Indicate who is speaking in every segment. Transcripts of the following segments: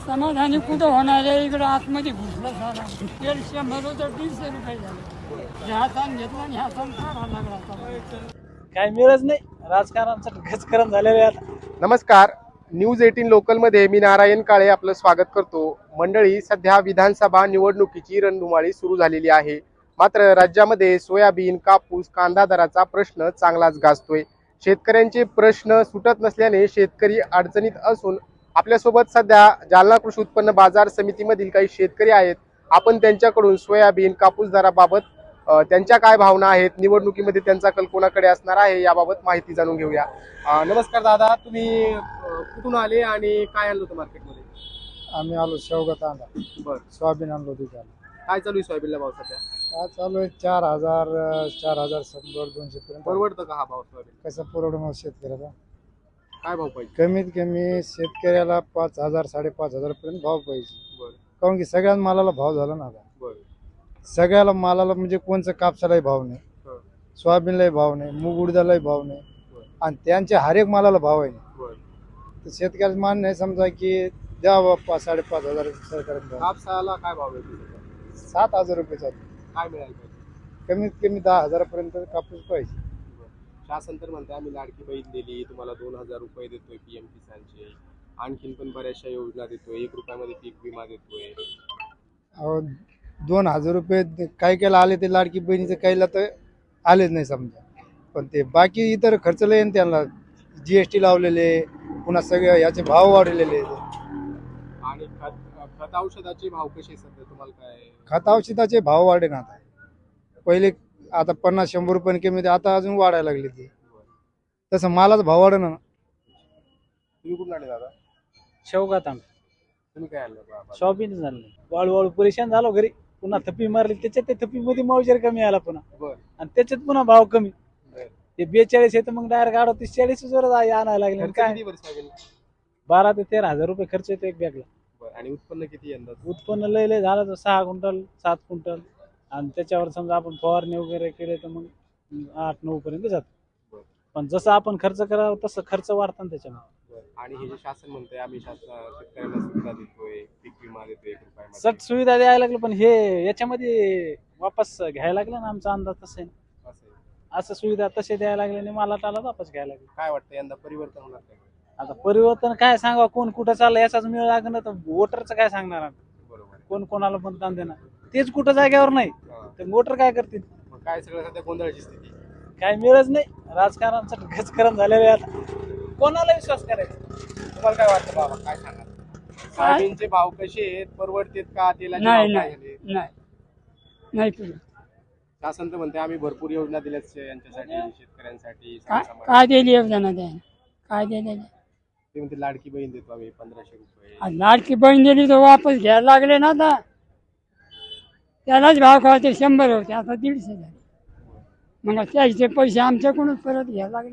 Speaker 1: समाधानी कुठं होणार आहे? इकडे आतमध्ये घुसलं सारा. तेल 100 होतं 150 रुपये झाले. हातान घेतला आणि हातान काढा लागला आता.
Speaker 2: काय मिळत नाही, राजकारणाचं गजकरण झालेलं आहे आता.
Speaker 3: नमस्कार, न्यूज 18 लोकलमध्ये मी नारायण काळे आपलं स्वागत करतो. मंडळी, सध्या विधानसभा निवडणुकीची रणधुमाळी सुरू झालेली आहे. मात्र राज्यामध्ये सोयाबीन, कापूस, कांदा दराचा प्रश्न चांगलाच गाजतोय. शेतकऱ्यांचे प्रश्न सुटत नसल्याने शेतकरी अडचणीत असून आपल्यासोबत सध्या जालना कृषी उत्पन्न बाजार समितीमधील काही शेतकरी आहेत. आपण त्यांच्याकडून सोयाबीन, कापूस दराबाबत त्यांच्या काय भावना आहेत, निवडणुकीमध्ये त्यांचा कल कोणाकडे असणार आहे याबाबत माहिती जाणून घेऊया. नमस्कार दादा, तुम्ही कुठून आले आणि काय आणलं होतं मार्केटमध्ये?
Speaker 2: आम्ही आलो शेवगा तांदा.
Speaker 3: बरं,
Speaker 2: सोयाबीन आणलो तिथे.
Speaker 3: काय चालू आहे सोयाबीनला भाव सध्या?
Speaker 2: काय चालू आहे? 4,100 पर्यंत.
Speaker 3: परवडतं का हा भाव सोयाबीन?
Speaker 2: कसं परवडणार शेतकऱ्याला?
Speaker 3: काय भाव पाहिजे?
Speaker 2: कमीत कमी शेतकऱ्याला 5,000 5,500 पर्यंत भाव पाहिजे.
Speaker 3: बरं
Speaker 2: कारण की सगळ्या मालाला भाव झाला ना आता.
Speaker 3: बरं.
Speaker 2: सगळ्याला मालाला म्हणजे कोणचं कापसालाही भाव नाही,
Speaker 3: हं.
Speaker 2: सोयाबीनलाही भाव नाही, मूग उडदालाही भाव नाही,
Speaker 3: बरं.
Speaker 2: आणि त्यांच्या हर एक मालाला भाव आहे.
Speaker 3: बरं.
Speaker 2: तर शेतकऱ्याचं मान नाही समजा की द्या 5,500 सरकारने भाव.
Speaker 3: कापसाला काय भाव आहे?
Speaker 2: 7,000 रुपये चालू.
Speaker 3: काय मिळायला पाहिजे?
Speaker 2: कमीत कमी 10,000 पर्यंत कापूस पाहिजे.
Speaker 3: शासन तर म्हणते आम्ही लाडकी बहीण दिली, तुम्हाला 2,000 रुपये देतोय पीएम किसानचे, आणखीन पण बऱ्याचशा योजना देतोय, 1 रुपयामध्ये पीक विमा देतोय.
Speaker 2: अहो, 2,000 रुपये काही केला आले ते लाडकी बहिणीचं काहीला तर आलेच नाही समजा. पण ते बाकी इतर खर्च लय आहे त्यांना. GST लावलेले, पुन्हा सगळे याचे भाव वाढलेले.
Speaker 3: आणि खत औषधाचे भाव कसे सध्या तुम्हाला काय?
Speaker 2: खत औषधाचे भाव वाढे ना आता. पहिले आता 50-100 रुपये कमी होते, आता अजून वाढायला लागले ते. तसं मालाचा भाव वाढे ना.
Speaker 3: तुम्ही कुठून आले दादा?
Speaker 2: शेवगा तांबे.
Speaker 3: तुम्ही काय आणलं बाबा?
Speaker 2: शॉपिंग झालं, वाळू परेशान झालो घरी. पुन्हा थप्पी मारली, त्याच्यात ते थप्पीमध्ये मावजर कमी आला पुन्हा,
Speaker 3: बरं.
Speaker 2: आणि त्याच्यात पुन्हा भाव कमी.
Speaker 3: बरं.
Speaker 2: ते 42 आहे तर मग डायरेक्ट 38-40 वर आणायला लागले.
Speaker 3: खर्च
Speaker 2: काय
Speaker 3: किती वर्ष लागेल?
Speaker 2: 12,000 ते 13,000 रुपये खर्च येतो एक बॅगला.
Speaker 3: बरं. आणि उत्पन्न किती यंदा?
Speaker 2: उत्पन्न लय झालं तर 6 क्विंटल 7 क्विंटल, आणि त्याच्यावर समजा आपण फवारणी वगैरे केले तर मग 8-9 पर्यंत जातो.
Speaker 3: बरं.
Speaker 2: पण जसं आपण खर्च करावं तसं खर्च वाढतात ना त्याच्यामुळे.
Speaker 3: आणि हे जे शासन म्हणतंय आम्ही शेतकऱ्यांना सुविधा देतोय, पीक विमा देतोय 1 रुपयामध्ये.
Speaker 2: सट सुविधा द्यायला लागलं, पण हे याच्यामध्ये वापस घ्यायला लागलं ना. आमचा अंदाज तसा आहे,
Speaker 3: असं आहे.
Speaker 2: असं सुविधा तसे द्यायला लागले आणि मला टाला वापस घ्यायला लागले.
Speaker 3: काय वाटतं यंदा परिवर्तन होणार काय?
Speaker 2: आता परिवर्तन काय सांगा, कोण कुठं चाललं याचाच मिळ लागणार, तर वोटरचं काय सांगणार आम्ही?
Speaker 3: बरोबर आहे.
Speaker 2: कोण कोणाला मतदान देणार? तेच कुठं जागेवर नाही
Speaker 3: हां.
Speaker 2: तर वोटर काय करतील?
Speaker 3: मग काय सगळं सध्या गोंधळाची स्थिती?
Speaker 2: काय मिळत नाही, राजकारणाचं गजकरण झालेलं आहे आता. कोणाला विश्वास करायचा?
Speaker 3: तुम्हाला काय वाटतं बाबा, काय सांगा? सोयाबीनचे भाव कसे आहेत? परवडतेत का? तेलाचे भाव
Speaker 1: नाही
Speaker 3: काय
Speaker 1: नाही
Speaker 3: झाले?
Speaker 1: नाही नाही पुढे.
Speaker 3: शासन तर म्हणते आम्ही भरपूर योजना दिल्यात यांच्यासाठी, शेतकऱ्यांसाठी,
Speaker 1: काय
Speaker 3: सर्वसामान्य.
Speaker 1: काय दिली योजना द्या? काय दिली?
Speaker 3: ते म्हणते लाडकी बहीण देतो आम्ही 1,500 रुपये.
Speaker 1: लाडकी बहीण दिली तर वापस घ्यायला लागले ना आता. त्यालाच भाव खाते 100 होते, आता 150 झाले. मग त्याचे पैसे आमच्याकडूनच परत घ्यायला लागले.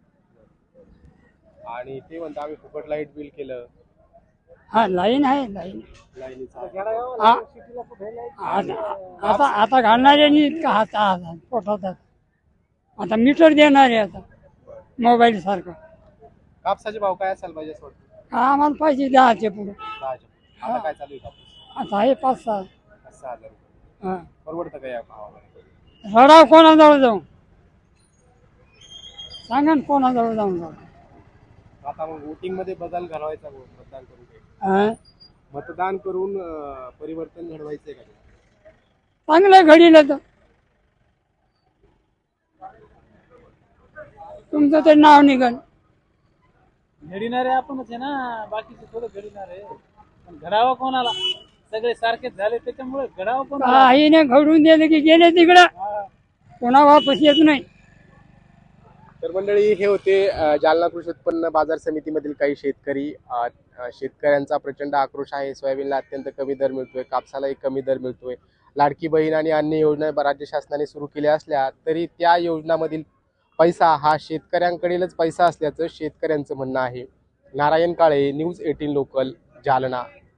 Speaker 3: आणि ते म्हणते आम्ही फुकट लाईट बिल केलं.
Speaker 1: हा, लाईन आहे लाईन.
Speaker 3: लाईनीचा
Speaker 1: हा. आता आता घालणाऱ्यांनी इतका हात पोटात. आता मीटर देणारे आता मोबाईल सारखं.
Speaker 3: कापसाचे भाव काय असायला पाहिजे असं वाटतं?
Speaker 1: आम्हाला पाहिजे 10चे पुढे.
Speaker 3: 10चे. आता काय चालू आहे कापूस?
Speaker 1: आता आहे 5-6.
Speaker 3: 6,000 रुपये.
Speaker 1: हा.
Speaker 3: परवडतं का या भावामध्ये?
Speaker 1: रडाव कोणाजवळ जाऊ सांगा ना, कोणाजवळ जाऊन जाऊ.
Speaker 3: आता मग वोटिंग मध्ये बदल घडवायचा, मतदान करून काही.
Speaker 1: हा?
Speaker 3: मतदान करून परिवर्तन घडवायचंय का?
Speaker 1: चांगलं घडीलं तर तुमचं ते नाव निघल.
Speaker 2: घडीणारे आपणच आहे ना, बाकीचे थोडं घडीणार आहे. पण घडावा कोणाला? सगळे सारखेच झाले त्याच्यामुळे घडावा कोणाला?
Speaker 1: काही नाही, घडून दिलं की गेले तिकडं, कोणा वापस येत नाही.
Speaker 3: तर मंडळी, हे होते जालना कृषी उत्पन्न बाजार समितीमधील काही शेतकरी. शेतकऱ्यांचा प्रचंड आक्रोश आहे. सोयाबीनला अत्यंत कमी दर मिळतोय, कापसालाही कमी दर मिळतोय. लाडकी बहीण आणि अन्य योजना राज्य शासनाने सुरू केल्या असल्या तरी त्या योजनामधील पैसा हा शेतकऱ्यांकडीलच पैसा असल्याचं शेतकऱ्यांचं म्हणणं आहे. Narayan Kale, news 18 local, Jalna.